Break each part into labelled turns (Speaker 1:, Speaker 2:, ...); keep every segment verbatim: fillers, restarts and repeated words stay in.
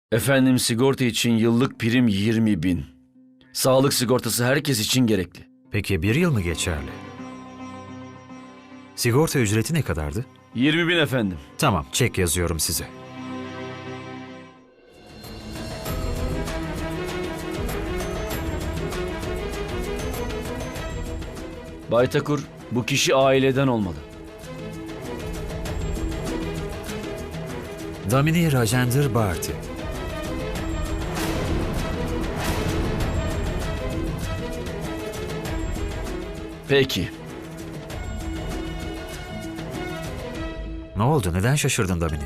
Speaker 1: Efendim sigorta için yıllık prim yirmi bin. Sağlık sigortası herkes için gerekli.
Speaker 2: Peki bir yıl mı geçerli? Sigorta ücreti ne kadardı?
Speaker 1: yirmi bin efendim.
Speaker 2: Tamam, çek yazıyorum size.
Speaker 1: Bay Takur, bu kişi aileden olmalı.
Speaker 2: Damini Rajender Bharti.
Speaker 1: Peki.
Speaker 2: Ne oldu? Neden şaşırdın Damini?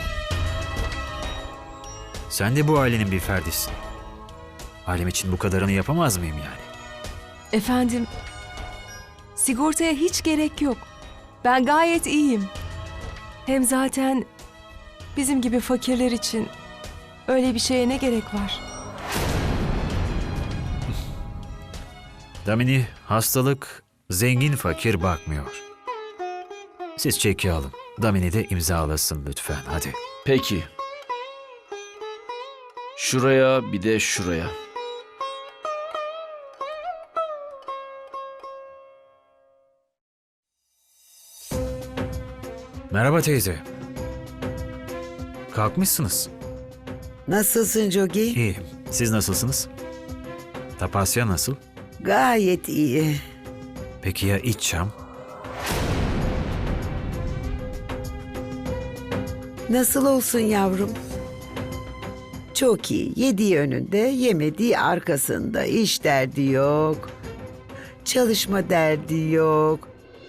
Speaker 2: Sen de bu ailenin bir ferdisin. Ailem için bu kadarını yapamaz mıyım yani?
Speaker 3: Efendim, sigortaya hiç gerek yok. Ben gayet iyiyim. Hem zaten bizim gibi fakirler için öyle bir şeye ne gerek var?
Speaker 2: Damini, hastalık zengin fakir bakmıyor. Siz çeki alın. Damini de imzalasın lütfen, hadi.
Speaker 1: Peki. Şuraya bir de şuraya.
Speaker 2: Merhaba teyze. Kalkmışsınız.
Speaker 4: Nasılsın Jogi?
Speaker 2: İyiyim. Siz nasılsınız? Tapasya nasıl?
Speaker 4: Gayet iyi.
Speaker 2: Peki ya iç çam?
Speaker 4: Nasıl olsun yavrum? Çok iyi. Yediği önünde, yemediği arkasında. İş derdi yok. Çalışma derdi yok.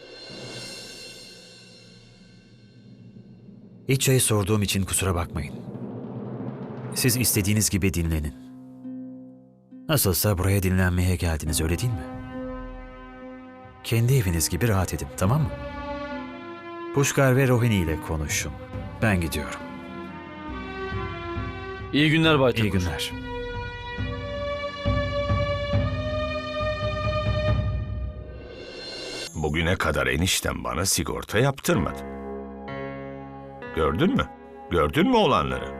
Speaker 2: İç çayı sorduğum için kusura bakmayın. Siz istediğiniz gibi dinlenin. Nasılsa buraya dinlenmeye geldiniz, öyle değil mi? Kendi eviniz gibi rahat edin, tamam mı? Pushkar ve Rohini ile konuşun. Ben gidiyorum.
Speaker 1: İyi günler Bay Takur.
Speaker 2: İyi günler.
Speaker 5: Bugüne kadar eniştem bana sigorta yaptırmadı. Gördün mü? Gördün mü olanları?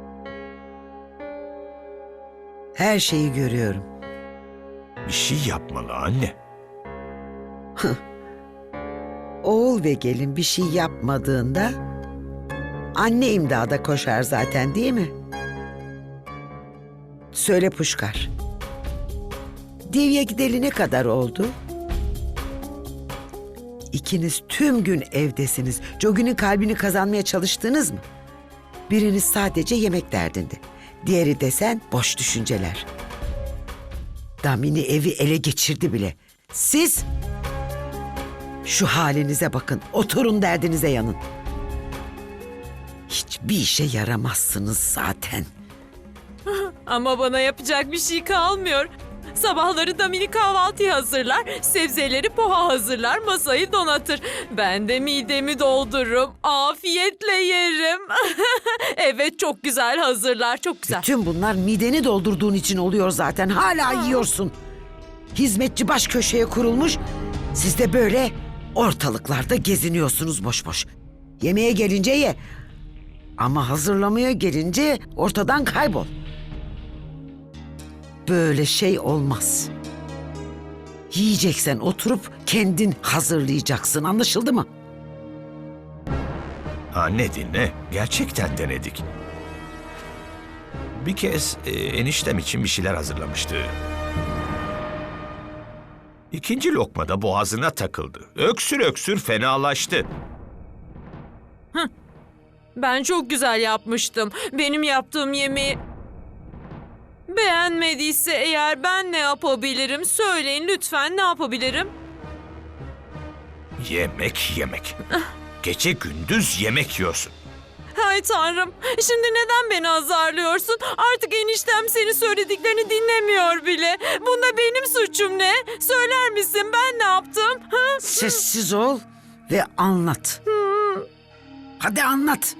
Speaker 4: Her şeyi görüyorum.
Speaker 5: Bir şey yapmalı anne.
Speaker 4: Oğul ve gelin bir şey yapmadığında anne imdada koşar zaten, değil mi? Söyle Puşkar. Divye gideli ne kadar oldu? İkiniz tüm gün evdesiniz. Jogi'nin kalbini kazanmaya çalıştınız mı? Biriniz sadece yemek derdinde. Diğeri desen boş düşünceler. Damini evi ele geçirdi bile. Siz şu halinize bakın. Oturun, derdinize yanın. Hiçbir işe yaramazsınız zaten.
Speaker 6: Ama bana yapacak bir şey kalmıyor. Sabahları Damini kahvaltı hazırlar, sebzeleri poha hazırlar, masayı donatır. Ben de midemi doldururum, afiyetle yerim. Evet, çok güzel hazırlar, çok güzel.
Speaker 4: Bütün bunlar mideni doldurduğun için oluyor zaten. Hala yiyorsun. Hizmetçi baş köşeye kurulmuş. Siz de böyle ortalıklarda geziniyorsunuz boş boş. Yemeğe gelince ye. Ama hazırlamaya gelince ortadan kaybol. Böyle şey olmaz. Yiyeceksen oturup kendin hazırlayacaksın. Anlaşıldı mı?
Speaker 5: Anne dinle. Gerçekten denedik. Bir kez e, eniştem için bir şeyler hazırlamıştı. İkinci lokmada boğazına takıldı. Öksür öksür fenalaştı.
Speaker 6: Ben çok güzel yapmıştım. Benim yaptığım yemeği beğenmediyse eğer ben ne yapabilirim? Söyleyin lütfen, ne yapabilirim?
Speaker 5: Yemek yemek. Gece gündüz yemek yiyorsun.
Speaker 6: Hay Tanrım, şimdi neden beni azarlıyorsun? Artık eniştem senin söylediklerini dinlemiyor bile. Bunda benim suçum ne? Söyler misin, ben ne yaptım? Ha?
Speaker 4: Sessiz ol ve anlat. Hadi anlat.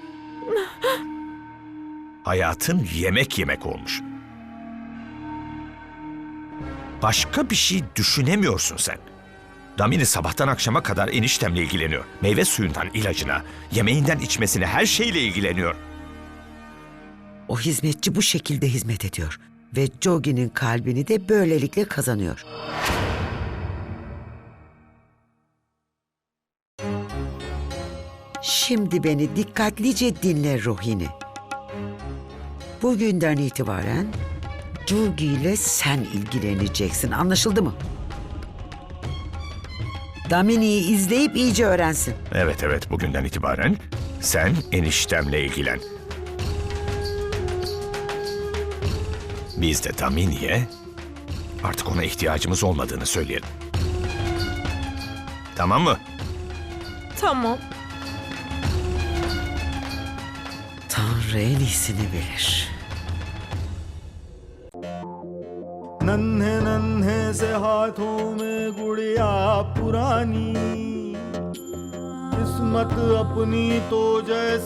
Speaker 5: Hayatın yemek yemek olmuş. Başka bir şey düşünemiyorsun sen. Damini sabahtan akşama kadar eniştemle ilgileniyor. Meyve suyundan ilacına, yemeğinden içmesine, her şeyle ilgileniyor.
Speaker 4: O hizmetçi bu şekilde hizmet ediyor ve Jogi'nin kalbini de böylelikle kazanıyor. Şimdi beni dikkatlice dinle Rohini. Bugünden itibaren Jogi ile sen ilgileneceksin. Anlaşıldı mı? Damini'yi izleyip iyice öğrensin.
Speaker 5: Evet evet, bugünden itibaren sen eniştemle ilgilen. Biz de Damini'ye artık ona ihtiyacımız olmadığını söyleyelim. Tamam mı?
Speaker 6: Tamam.
Speaker 4: Tanrı en iyisini bilir.
Speaker 7: नन्हे नन्हे से हाथों में गुड़िया पुरानी किस्मत अपनी तो जैसे